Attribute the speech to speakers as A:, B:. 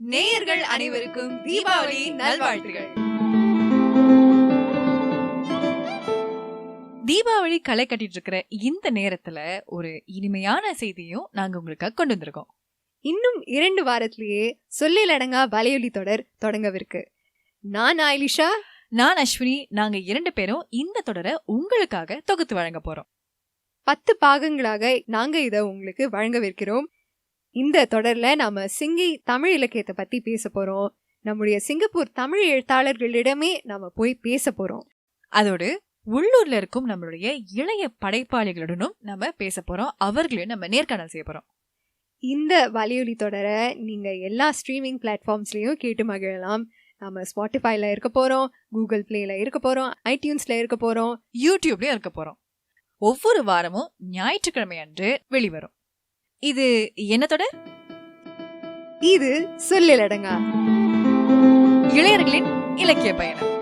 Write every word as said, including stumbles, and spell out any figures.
A: நேயர்கள் அனைவருக்கும் தீபாவளி நல்வாழ்த்துகள். தீபாவளி களை கட்டிட்டு இருக்கிற இந்த நேரத்துல ஒரு இனிமையான செய்தியும் நாங்க உங்களுக்கு கொண்டு வந்திருக்கோம்.
B: இன்னும் இரண்டு வாரத்திலேயே சொல்லிலடங்கா வலையொலி தொடர் தொடங்கவிருக்கு. நான் ஆயிலிஷா,
A: நான் அஸ்வினி. நாங்க இரண்டு பேரும் இந்த தொடரை உங்களுக்காக தொகுத்து வழங்க போறோம்.
B: பத்து பாகங்களாக நாங்க இத உங்களுக்கு வழங்கவிருக்கிறோம். இந்த தொடர்ல நாம சிங்கி தமிழ் இலக்கியத்தை பத்தி பேச போறோம். நம்முடைய சிங்கப்பூர் தமிழ் எழுத்தாளர்களிடமே நாம போய் பேச போறோம்.
A: அதோடு உள்ளூர்ல இருக்கும் நம்மளுடைய இளைய படைப்பாளிகளுடனும் நம்ம பேச போறோம். அவர்களையும் நம்ம நேர்காணல் செய்ய போறோம்.
B: இந்த வலையொலி தொடரை நீங்க எல்லா ஸ்ட்ரீமிங் பிளாட்ஃபார்ம்ஸ்லயும் கேட்டு மகிழலாம். நம்ம ஸ்பாட்டிஃபைல இருக்க போறோம், கூகுள் பிளேல இருக்க போறோம், ஐடியூன்ஸ்ல இருக்க போறோம்,
A: யூடியூப்லயும் இருக்க போறோம். ஒவ்வொரு வாரமும் ஞாயிற்றுக்கிழமை அன்று வெளிவரும். இது என்ன தொடர்?
B: இது சொல்லிலடங்கா
A: இளையர்களின் இலக்கிய பயணம்.